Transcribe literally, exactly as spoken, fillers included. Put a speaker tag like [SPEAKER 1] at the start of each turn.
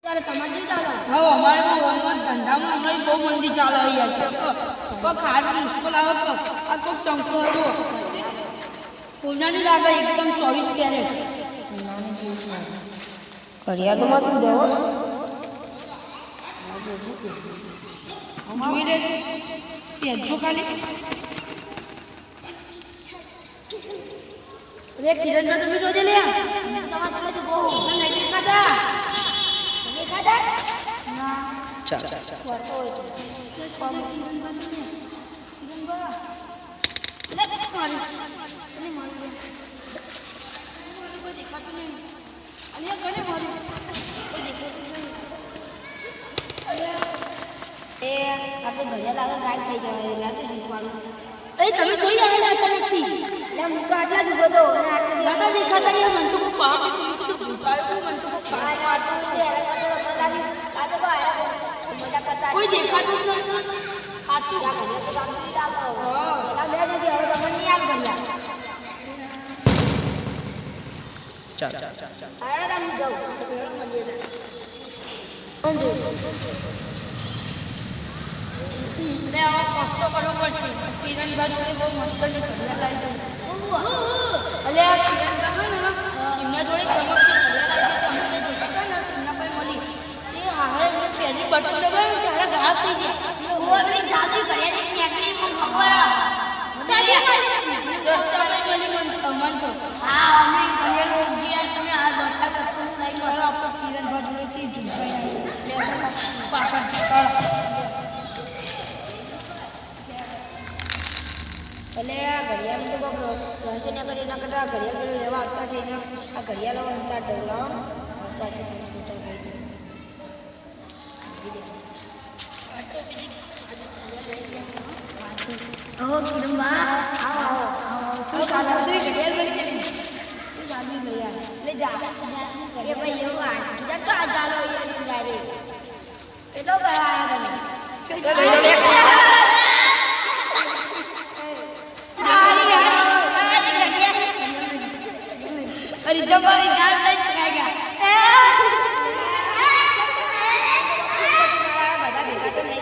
[SPEAKER 1] તમારે શું ચાલે?
[SPEAKER 2] હા અમારે તો ઓનલાઈન ધંધામાં હમણાં બહુ મંદી ચાલે યાર કોક ખાવા મુશ્કેલ આવે તો આ કોક ચંકો હતો સોનાની લાગે એકદમ ચોવીસ કેરેટ
[SPEAKER 1] ઘડિયાળમાં તું દેવો
[SPEAKER 2] જોઈ લે પેજો ખાલી અરે કિરણ તમે જોજે લે
[SPEAKER 1] તમારે પેલા તો બહુ
[SPEAKER 2] નહીં દેખાતા
[SPEAKER 1] દેખાતા
[SPEAKER 2] ના
[SPEAKER 3] ચાલ ચાલ ચાલ
[SPEAKER 1] ફરતો હોય તો એ આપણે ઘડિયાળ આગળ ગાયબ થઈ જવાય રાતે શીખવાનું
[SPEAKER 2] એ તમે જોઈ આવેલા અચાનકથી
[SPEAKER 1] એટલે હું તો આટલા જ ઉભો હતો અને આટલા
[SPEAKER 2] દાદા દેખાતા યાર મને તો કોઈ બહારથી તમે કીધું ભૂતાયું મને તો કોઈ
[SPEAKER 1] બહાર મારતો હોય તો હેરાન કરતો મને લાગ્યું લાગે તો હેરાન મજા કરતા
[SPEAKER 2] કોઈ દેખાતું જ નહોતું સાચું
[SPEAKER 1] આ ઘડિયાળ તો કામ નહીં ચાલતો
[SPEAKER 2] હા.
[SPEAKER 1] પેલા બે નથી હવે તમને નહીં આવ ઘડિયાળ
[SPEAKER 3] ચાલ ચાલ ચાલ ચાલ
[SPEAKER 1] હારા તા હું જાઉં
[SPEAKER 2] એટલે આવો કષ્ટો કરવો પડશે કિરણભાઈ જોડે બહુ મુશ્કેલની ઘડિયાળ લાવી દઉં એટલે આ કિરણભાઈ હોય ને એમના જોડે ચમકતી ઘડિયાળ આવી તમે બે જતા હતા ને તેમના પર મળી તે હારે પહેલી બટન દબાવ્યું ત્યારે ગાયબ થઈ ગયા
[SPEAKER 1] હું આપણી જાદુ ઘડિયાળની ટેકનિક મને ખબર
[SPEAKER 2] દસ્તામાં મળી મન મન તો
[SPEAKER 1] હા અમે ઘડિયાળ ગયા તમે આ બટલા કરતો નહીં
[SPEAKER 2] હવે આપણે કિરણભાઈ જોડેથી જુસાઈ એટલે આપણે પાછળ ચાલો
[SPEAKER 1] એટલે આ ઘડિયાળનું તો કોઈ રહસ્ય ના કરી એના કરતાં આ ઘડિયાળ જોડે લેવા આવતા છે ને આ ઘડિયાળો અંતર ડોલાવો આવતા છે કમ્પ્યુટર થઈ જાય ઓહો કિરણબા આવો આવો
[SPEAKER 2] શું ચાલે બધી ઘડિયાળ મળી ગઈ
[SPEAKER 1] શું જાદુ ઘડિયાળ
[SPEAKER 2] એટલે જા
[SPEAKER 1] એ ભાઈ એવું આ કીધા તો આ ચાલો અહીંયા ડાયરેક્ટ કેટલો કરાયા તમે
[SPEAKER 2] અરે તમારી ગાલ લઈ ચકાઈ ગયા
[SPEAKER 1] બધા ભેગા તો નહીં